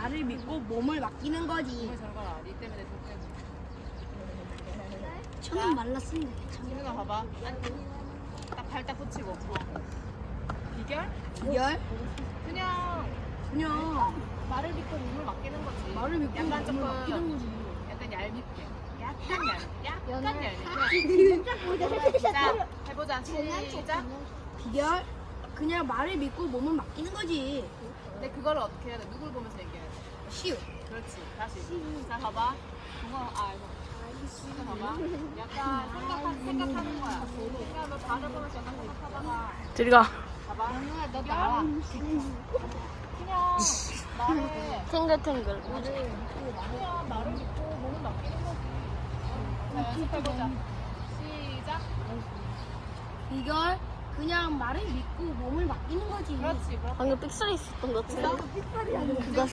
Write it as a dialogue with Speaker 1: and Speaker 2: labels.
Speaker 1: 말을 믿고 몸을 맡기는 거지.
Speaker 2: 정말 잘 가라. 니 때문에 돈 때문에.
Speaker 1: 저는 말랐습니다. 괜찮아요.
Speaker 2: 지민아 봐봐. 딱 발 딱 붙이고. 비결?
Speaker 1: 비결?
Speaker 2: 그냥
Speaker 1: 그냥
Speaker 2: 말을 믿고 몸을 맡기는 거지.
Speaker 1: 말을 믿고
Speaker 2: 약간
Speaker 1: 몸을
Speaker 2: 조금
Speaker 1: 맡기는 거지.
Speaker 2: 약간 얄밉게. 약간 얄밉게.
Speaker 3: 진짜
Speaker 2: 자, 해보자. 시작.
Speaker 1: 비결? 그냥 말을 믿고 몸을 맡기는 거지.
Speaker 2: 근데 그걸 어떻게 해야 돼? 누굴 보면서 얘기해야 돼?
Speaker 1: 쉬우.
Speaker 2: 그렇지. 다시. 자, 봐봐. 이거 봐봐. 약간 생각하는 거야. 그냥 너 다들 보면서 약간 생각하다가
Speaker 4: 저리 가.
Speaker 2: 봐봐. 너 나와. 그냥 말에
Speaker 4: 탱글탱글.
Speaker 2: 그냥 말을 믿고 몸을 맡기는 거지. 자, 연습해보자. 시작.
Speaker 1: 비결? 그냥 말을 믿고 몸을 맡기는 거지.
Speaker 2: 그렇지. 그렇지.
Speaker 4: 방금 삑소리 있었던 것 같은데.
Speaker 2: 그거